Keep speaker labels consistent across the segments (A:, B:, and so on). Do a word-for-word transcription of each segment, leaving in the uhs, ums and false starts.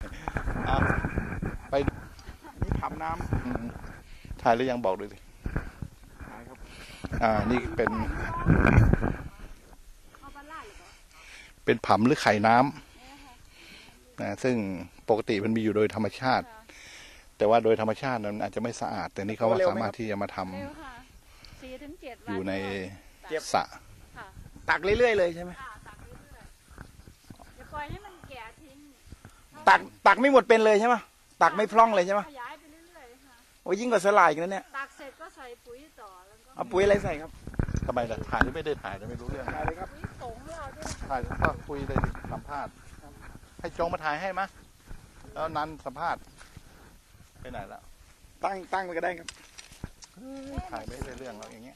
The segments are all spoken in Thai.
A: ไปนี่ทำน้ำถ่ายหรือยังบอกด้วยสิถ่ายครับอ่านี่เป็นเป็นผำหรือไข่น้ำนะซึ่งปกติมันมีอยู่โดยธรรมชาติแต่ว่าโดยธรรมชาติมันอาจจะไม่สะอาดแต่นี่เขาสามารถที่จะมาทำอยู่ในสระ
B: ตักเรื่อยๆเลยใช่ไหม
C: ปล่อยให้มันแก่ทิ้ง
B: ตักตักไม่หมดเป็นเลยใช่ไหมตักไม่พร่องเลยใช่ไหม
C: ขยายไปเรื่อยๆค่ะ
B: โอ้ยิ่งกว่าสลายกันนะเนี่ย
C: ตักเสร็จก็ใส่ปุ๋ยต่อแล้วก็
B: เอาปุ๋ยอะไรใส่ครับ
A: ทำไมล่ะถ่ายไม่ได้ถ่ายไม่รู้เรื่อง
B: ถ่ายเลยครับ
C: ปุ๋ยสงเราด้วย
A: ถ่ายก็คุยเลยสัมภาษณ์ให้โจงมาถ่ายให้มะแล้วนั้นสัมภาษณ์ไปไหนแล้ว
B: ตั้งตั้งไปก็ได้ครับ
A: ถ่ายไม่ได้เรื่องแล้วอย่างเงี้ย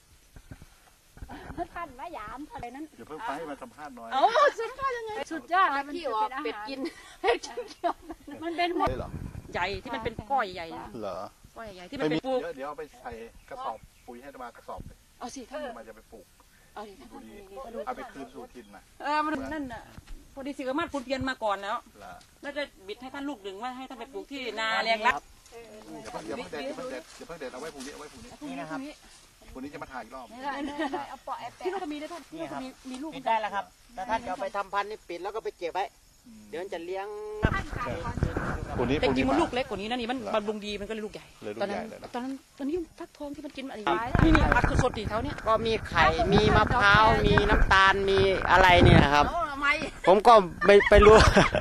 C: ท่านมายามอะไรนั้น
A: เดี๋ยวเพิ่งไปให้มาสัมภาษณ์หน่อย
C: โอ้สัมภาษณ์ยังไงสุดยอดเลยมันเป็นอาหารเป็ดกินมันเป็นหมด
D: ใหญ่ที่มันเป็นก้อยใหญ่
A: เหรอ
D: ก้อยใหญ่ที่มันเป็นปลูก
A: เดี๋ยวเอาไปใส่กระสอบปุ๋ยให้มากระสอบเลย
D: เอาสิท่าน
A: มาจะไปปลูก
D: เอาดิ
A: ดูดีเอาไปคืนสู่ถิ่นนะ
D: เออมันนั่นน่ะพอดีสิกรมาศคุณเพียนมาก่อนแล้วน่าจะบิดให้ท่านลูกดึงว่าให้ท่านไปปลูกที่นาแรงรัก
A: เดี๋ยวเพิ่งเด็ดเดี๋ยวเพิ่งเด็ดเดี๋ยวเพิ่งเด็ดเอาไว้พรุ่งนี้เอาไว้พรุ่งนี้
D: นี่นะครับ
A: วันนี้จะมาถ่ายอีกรอบ
C: เอาปอแอป
D: ที่ลูกมีได้ท่านนี่ครับ
E: มีลูกได้แล้วครับแต่ท่านจะไปทำพันธุ์นี่ปิดแล้วก็ไปเก็บไว้เดี๋ยวจะเลี้ยง
A: ปุ่นนี้
D: แต่จริงมันลูกเล็กกว่านี้นะนี่มันบำรุงดีมันก็เลยลูกใหญ่ตอนนั้นตอนนั้นตอนนี้ฟักทองที่มันกินอะไรนี่นี่อัดสดๆตีเท้าเนี่ย
E: ก็มีไข่มีมะพร้าวมีน้ำตาลมีอะไรเนี่ยครับผมก็ไปไปรู้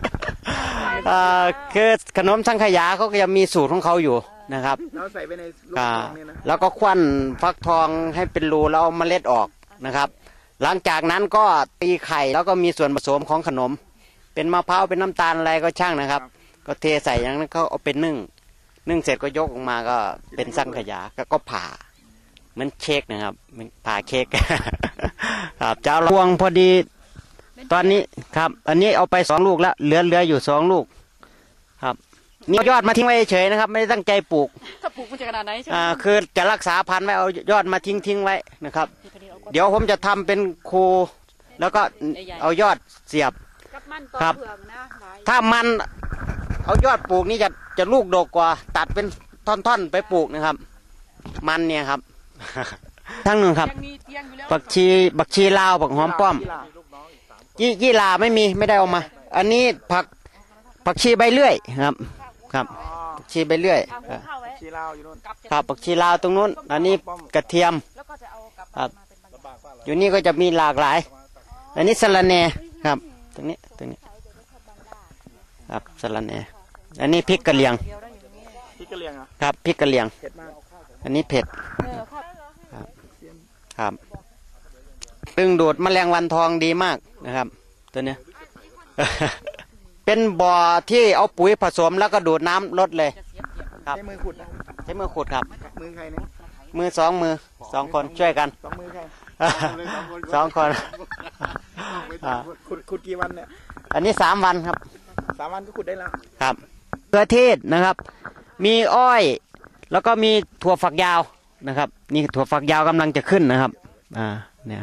E: คือขนมสังขยาเขาก็จะมีสูตรของเขาอยู่นะครับ
B: แล้วใส่ไปในลูกทองเนี่ยนะ
E: แล้วก็ควันฟักทองให้เป็นรูแล้วเอาเมล็ดออกนะครับหลังจากนั้นก็ตีไข่แล้วก็มีส่วนผสมของขนมเป็นมะพร้าวเป็นน้ำตาลอะไรก็ช่างนะครับก็เทใส่อย่างนั้นเขาเอาเป็นนึ่งนึ่งเสร็จก็ยกออกมาก็เป็นสังขยาก็ผ่าเหมือนเค้กนะครับเป็นผ่าเค้กครับเจ้าพวงพอดีตอนนี้ครับอันนี้เอาไปสองลูกแล้วเหลือเหลืออยู่สองลูกครับนี่ยอดมาทิ้งไว้เฉยนะครับไม่ได้ตั้งใจปลูก
D: ถ้าปลูกมันจะขนาดไหน
E: อ่าคือจะรักษาพันธุ์ไว้เอายอดมาทิ้งทิ้งไว้นะครับเดี๋ยวผมจะทำเป็นโคแล้วก็เอายอดเสียบครับถ้ามันเอายอดปลูกนี่จะจะลูกดกกว่าตัดเป็นท่อนๆไปปลูกนะครับมันเนี่ยครับทั้งหนึ่งครับบักชีบักชีลาวบักหอมป้อมยี่ยี่ลาไม่มีไม่ได้เอามาอันนี้ผักผักชีใบเลื่อยครับครับผักชีใบเลื่อย
B: ชีลาวอยู่นู่น
E: ครับผักชีลาวตรงนู้นอันนี้กระเทียมครับอยู่นี่ก็จะมีหลากหลายอันนี้สะระแหน่ครับตรงนี้ตรงนี้ครับสะระแหน่อันนี้พริกกะเหรี่ยง
B: พริกกะเหรี่ยง
E: ครับพริกกะเหรี่ยง
B: เผ็ดมาก
E: อันนี้เผ็ดครับครับดึงดูดแมลงวันทองดีมากนะครับตัวเนี้ยเป็นบ่อที่เอาปุ๋ยผสมแล้วก็ดูดน้ำลดเลยครับ
B: ใช้มือขุดนะ
E: ใช้มือขุดครับ
B: มือใครเนี่ย
E: มือสองมือสองคนช่วยกัน
B: สองมือใคร
E: สองคน
B: ขุดขุดกี่วันเนี่ย
E: อันนี้สามวันครับ
B: สามวันก็ขุดได้แล้ว
E: ครับเกลือเทศนะครับมีอ้อยแล้วก็มีถั่วฝักยาวนะครับนี่ถั่วฝักยาวกำลังจะขึ้นนะครับอ่าเนี่ย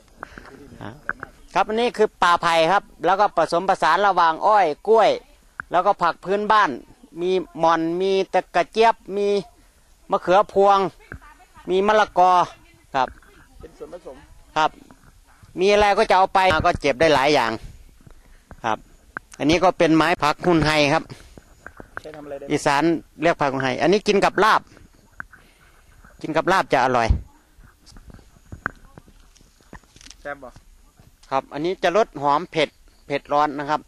E: ครับอันนี้คือป่าไผ่ครับแล้วก็ผสมผสานระหว่างอ้อยกล้วยแล้วก็ผักพื้นบ้านมีหม่อนมีตะกะเจี๊ยบมีมะเขือพวงมีมะละกอครับ
B: เป็นส่วนผสม
E: ครับมีอะไรก็จะเอาไปก็เจ็บได้หลายอย่างครับอันนี้ก็เป็นไม้ผักหุ่นไฮครับอีสานเรียกผักหุ่นไฮอันนี้กินกับลาบกินกับลาบจะอร่อย
B: แซ่บบ่
E: ครับอันนี้จะรสหอมเผ็ดเผ็ดร้อนนะครับ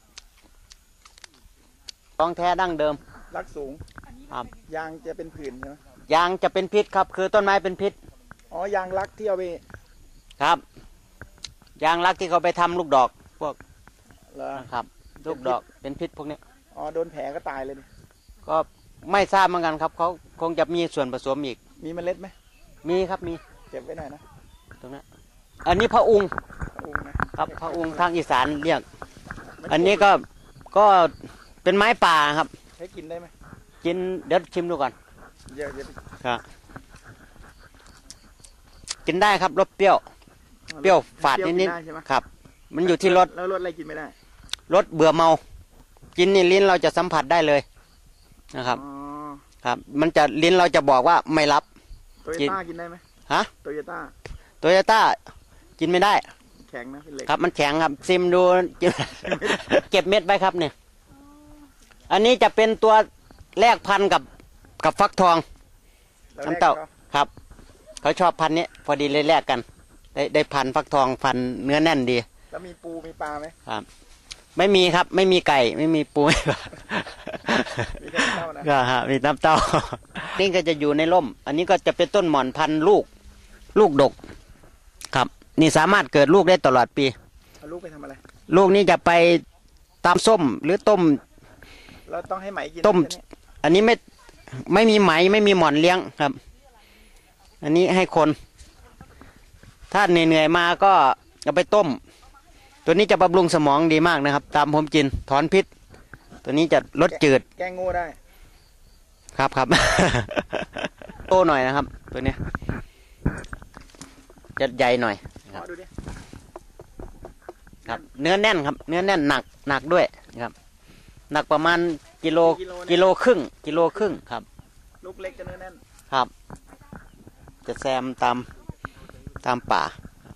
E: ต้องแท้ดั้งเดิม
B: รักสูง
E: ครับ
B: ยางจะเป็นผื่นใช่ไหม
E: ยางจะเป็นพิษครับคือต้นไม้เป็นพิษ
B: อ๋อยางรักที่เอาไป
E: ครับยางรักที่เขาไปทำลูกดอกพวกครับลูกดอกเป็นพิษพวกนี้
B: อ๋อโดนแผลก็ตายเลย
E: ก็ไม่ทราบเหมือนกันครับเขาคงจะมีส่วนผสมอีก
B: มีเมล็ดไหม
E: มีครับมี
B: เก็บไว้หน่อยนะ
E: ตรงนั้นอันนี้พระองค์ครับพระองค์ทางอีสานเรียกอันนี้ก็ก็เป็นไม้ป่าครับ
B: ให้กินได้ไหม
E: กินเดี๋ยวชิมดูก่อน
B: เยอะ
E: ๆครับกินได้ครับรสเปรี้ยวเปรี้ยวฝาดนิดๆครับมันอยู่ที่รส
B: แล้วรสอะไรกินไม่ได้
E: รสเบื่อเมากินนี่ลิ้นเราจะสัมผัสได้เลยนะครับ
B: อ๋อ
E: ครับ มันจะลิ้นเราจะบอกว่าไม่รับ
B: โตโยต้ากินได้ไหม
E: ฮะ
B: โตโยต้า
E: โตโยต้ากินไม่ได้
B: แข็งนะเป็นเหล็ก
E: ครับมันแข็งครับซิมดู เก็บเม็ดไว้ครับเนี่ยอันนี้จะเป็นตัวแลกพันธุ์กับกับฟักทอง
B: แล้ว
E: น้ำเต้า
B: แรก
E: ครับ เขาชอบพันธุ์นี้พอดีเลยแลกกัน ได้ได้พันธุ์ฟักทองพันธุ์เนื้อแน่นดี
B: แล้วมีปูมีปลาไหม
E: ครับ ไม่มีครับไม่มีไก่ไม่มีปู ไม่ปลา
B: มีแต่เต้านะ
E: ก็ฮะมีน้ำเต้า นี่ก็จะอยู่ในร่ม อันนี้ก็จะเป็นต้นหม่อนพันธุ์ลูก ลูกดก ครับ นี่สามารถเกิดลูกได้ตลอดปี
B: เอาลูกไปทำอะไร
E: ลูกนี้จะไปตำส้มหรือต้ม
B: เราต้องให้ไหมกิน
E: ต้ม
B: ใช่ไห
E: อันนี้ไม่ไม่มีไหมไม่มีหม่อนเลี้ยงครับ อันนี้ให้คน ถ้าเหนื่อยๆมาก็เอาไปต้ม ตัวนี้จะบำรุงสมองดีมากนะครับ ตามผมกินถอนพิษ ตัวนี้จะลดจืด
B: แกงโง่ได้
E: ครับครับ โตหน่อยนะครับ ตัวเนี้ยจะใหญ่หน่อย
B: ขอดูดิ
E: ครับ เนื้อแน่นครับ เนื้อแน่นหนักหนักด้วยนะครับ หนักประมาณกิโลกิโลครึ่งกิโลครึ่งครับ
B: ลูกเล็กจะเนื้อแน่น
E: ครับ จะแซมตามตามป่า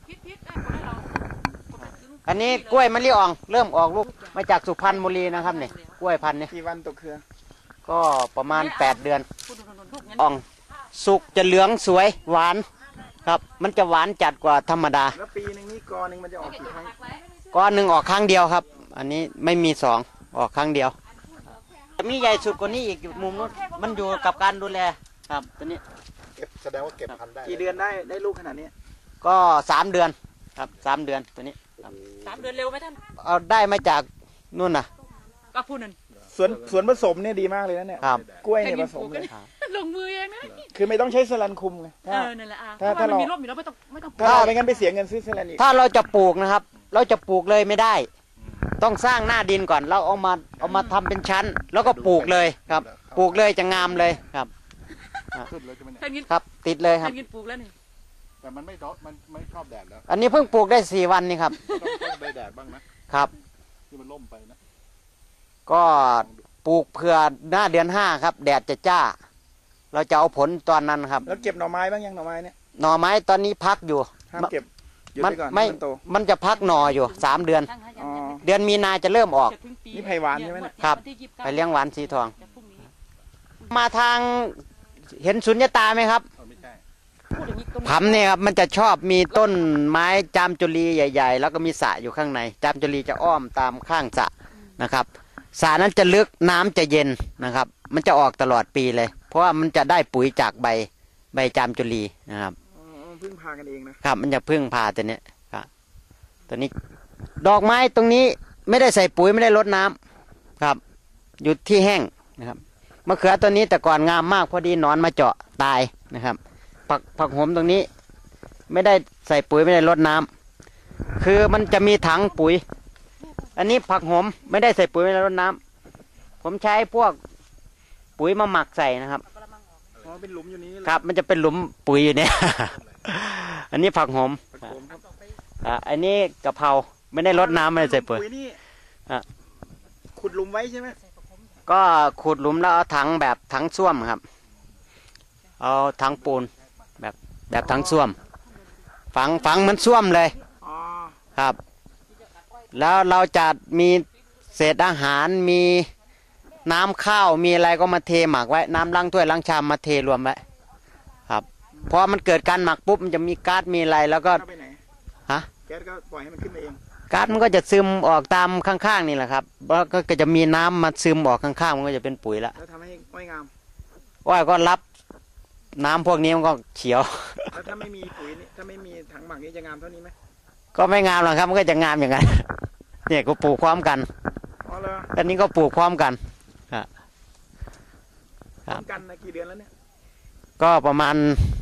E: อันนี้กล้วยมะลิอ่อง เริ่มออกลูกมาจากสุพรรณบุรีนะครับเนี่ยกล้วยพันธุ์นี้
B: กี่วันตกเครือ
E: ก็ประมาณแปดเดือนอ่อง สุกจะเหลืองสวยหวานครับ มันจะหวานจัดกว่าธรรมดา
B: แล้วปีหนึ่งนี่กอหนึ่งมันจะออกกี่ครั้ง
E: ก้อนหนึ่งออกครั้งเดียวครับ อันนี้ไม่มีสองออกครั้งเดียวจะมีใหญ่สุดกว่านี้อีกอยู่มุมนู้นมันอยู่กับการดูแลครับตัวนี้
A: เก็บแสดงว่าเก็บพันธุ์ได้
B: กี่เดือนได้ได้ลูกขนาดนี้
E: ก็สามเดือนครับสามเดือนตัวนี้ครับ
D: สามเดือนเร็วไหมท่าน
E: เอาได้มาจากนู่นน่ะ
D: ก็พูดนั่น
B: สวนสวนผสมเนี่ยดีมากเลยนะเนี่ย
E: ครับ
B: กล้วยเนี่ยผสมเลย
D: ลงมือเองนะ
B: คือไม่ต้องใช้สลันคุมไง
D: เอ
B: ถ้า
D: อนั่นแหละอ่ะ
B: ถ้า
D: เพราะว่ามัน
B: ถ้าเรามี
D: มีร่มอยู่แล้วไม่ต้องไม่ต้อง
B: ถ้าเราไม่งั้นไปเสียเงินซื้อสลันอีก
E: ถ้าเราจะปลูกนะครับ เราจะปลูกเลยไม่ได้ ต้องสร้างหน้าดินก่อน เราเอามาเอามาทำเป็นชั้น แล้วก็ปลูกเลยครับ ปลูกเลยจะงามเลยครับ
A: ขึ้นเลยใช่ไหมเนี่ย
D: ท่านกิน
E: ครับ ติดเลยครับ
D: ท่านกินปลูกแล้วนี่
A: แต่มันไม่ดอกมันไม่ชอบแดดแล้ว
E: อันนี้เพิ่งปลูกได้สี่วันนี่ครับ
A: ต้องต้องได้แดดบ้างนะครับ ที่มันล่มไปนะ
E: ก็ปลูกเพื่อหน้าเดือนห้าครับ แดดจะจ้า เราจะเอาผลตอนนั้นครับ
B: แล้วเก็บหน่อไม้บ้างยังหน่อไม้เนี่ย
E: หน่อไม้ตอนนี้พักอยู่
B: ห้ามเก็บหยุด
E: มัน
B: ไปก่อน
E: ไม่
B: ให้มันโต
E: มันจะพักหน่ออยู่สามเดือน
D: ตั้งให้ยั
B: อ๋
D: ง
B: อ
D: ยัง
E: เดือนมีนาจะเริ่มออก
D: จะถึงปี
B: นี่ไผ่หวานใช่ไหมเนี่ย
E: ครับ
D: วันที่ยี่สิก้า
E: ไปเลี้ยงหวานสีทอง
D: แต่พรุ่งนี้
E: มาทางเห็นสุญญตาไหมครับ
A: เอาไม่ใช่
D: พูดอย่างนี้ต้น
E: ผำเนี่ยครับมันจะชอบมีต้นไม้จามจุลีใหญ่ ๆ แล้วก็มีสระอยู่ข้างใน จามจุลีจะอ้อมตามข้างสระนะครับสระนั้นจะลึกน้ำจะเย็นนะครับ มันจะออกตลอดปีเลย เพราะว่ามันจะได้ปุ๋ยจากใบใบจามจุลีนะครับ
B: อ๋อพึ่งพากันเองนะครับ
E: มันจะพึ่งพาตัวเนี้ยครับตัวนี้ ดอกไม้ตรงนี้ไม่ได้ใส่ปุ๋ยไม่ได้รดน้ำครับ อยู่ที่แห้งนะครับมะเขือตัวนี้แต่ก่อนงามมากพอดีหนอนมาเจาะตายนะครับ ผักผักโหมตรงนี้ ไม่ได้ใส่ปุ๋ยไม่ได้รดน้ำคือมันจะมีถังปุ๋ย อันนี้ผักโหมไม่ได้ใส่ปุ๋ยไม่ได้รดน้ำผมใช้พวกปุ๋ยมาหมักใส่นะครับ
B: อ๋อเป็นหลุมอยู่นี้เลย
E: ครับ มันจะเป็นหลุมปุ๋ยอยู่เนี่ย อันนี้ผักโหม
B: ตะโกนครับ
E: อ่าอันนี้กะเพราไม่ได้รดน้ำไม่ได้ใส่ปุ๋ย
B: นี่
E: อ่ะ
B: ขุดหลุมไว้ใช่ไหม
E: ก็ขุดหลุมแล้วเอาถังแบบถังส้วมครับ เอาถังปูนแบบแบบถังส้วม ฝังฝังเหมันส้วมเลย
B: อ๋อ
E: ครับ แล้วเราจะมีเศษอาหารมีน้ำข้าวมีอะไรก็มาเทหมักไว้ น้ำล้างถ้วยล้างชามมาเทรวมไว้ครับพอมันเกิดการหมักปุ๊บมันจะมีก๊าซมีอะไรแล้วก็
B: เข้าไปไหน
E: ฮะ
B: แก๊สก็ปล่อยให้มันขึ้นมาเอง
E: ก๊าซมันก็จะซึมออกตามข้างๆนี่แหละครับแล้วก็จะมีน้ำมาซึมออกข้างๆมันก็จะเป็นปุ๋ยละ
B: แล้วทำให้อ้อยงาม
E: อ้อยก็รับน้ำพวกนี้มันก็เขียว
B: แล้วถ้าไม่มีปุ๋ยนี่ถ้าไม่มีถังหมักนี่จะงามเท่านี้ไหม
E: ก็ไม่งามหรอกครับมันก็จะงามอย่างนั้น เนี่ยก็ปลูกพร้อมกัน
B: อ๋อเหรอ
E: อันนี้ก็ปลูกพร้อมกัน
B: พร้อมกันนะกี่เดือนแล้วเนี่ย
E: ก็ประมาณ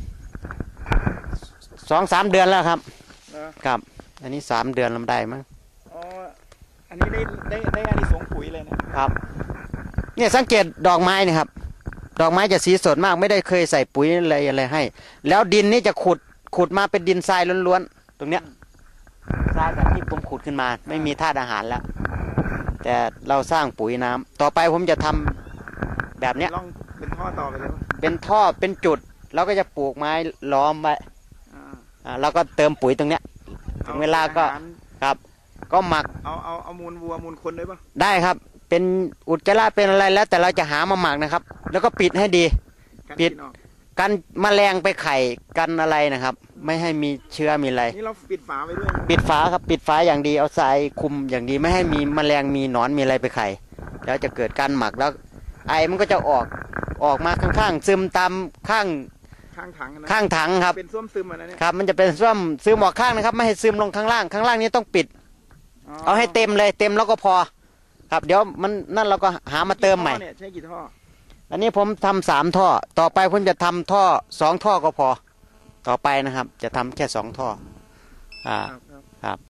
E: สองสามเดือนแล้วครับ
B: เหรอ
E: ครับ อันนี้สามเดือนลำได้มั้ง
B: อ๋ออันนี้ได้ได้ได้อานิสงส์ปุ๋ยเลยนะครับ
E: เนี่ยสังเกตดอกไม้นี่ครับ ดอกไม้จะสีสดมากไม่ได้เคยใส่ปุ๋ยอะไรอะไรให้ แล้วดินนี่จะขุดขุดมาเป็นดินทรายล้วนๆตรงเนี้ยทรายแบบที่ผมขุดขึ้นมา ไม่มีธาตุอาหารแล้วแต่เราสร้างปุ๋ยน้ำต่อไปผมจะทำแบบเนี้ย
B: ลองเป็นท่อต่อไปเลยว่า
E: เป็นท่อเป็นจุดแล้วก็จะปลูกไม้ล้อมไว้
B: อ่า
E: อ่าแล้วก็เติมปุ๋ยตรงเนี้ยถึงเวลาก็
B: ออหร
E: ครับ ก็หมัก
B: เอาเอาเอามูลวัวมูลคนด้วยปะ
E: ได้ครับ เป็นอุจจาระเป็นอะไรแล้ว แต่เราจะหามาหมักนะครับ แล้วก็ปิดให้ดี
B: กัน
E: ปิด
B: กินออก
E: กันแมลงไปไข่กันอะไรนะครับ ไม่ให้มีเชื้อมีอะไร
B: นี่เราปิดฝาไว้ด้วยนะ
E: ปิดฝาครับปิดฝาอย่างดีเอาทรายคลุมอย่างดีไม่ให้มีแมลงมีหนอนมีอะไรไปไข่แล้วจะเกิดการหมักแล้ว ไอมันก็จะออกออกมาข้างๆซึมตามข้าง
B: ข้างถังนะ
E: ข้างถังครับ
B: เป็นส้วมซึมอันนั้นเนี่ย
E: ครับ มันจะเป็นซ่วมซึมออกข้างนะครับ ไม่ให้ซึมลงข้างล่างข้างล่างนี้ต้องปิด เอาให้เต็มเลยเต็มแล้วก็พอ ครับเดี๋ยวมันนั่นเราก็หามาเติมใหม่
B: กี่ท่อเนี่ยใช้กี่ท่อ
E: อันนี้ผมทำสามท่อ ต่อไปผมจะทำท่อสองท่อก็พอ ต่อไปนะครับ จะทำแค่สองท่อ อ่า
B: ครับครับ
E: ครับ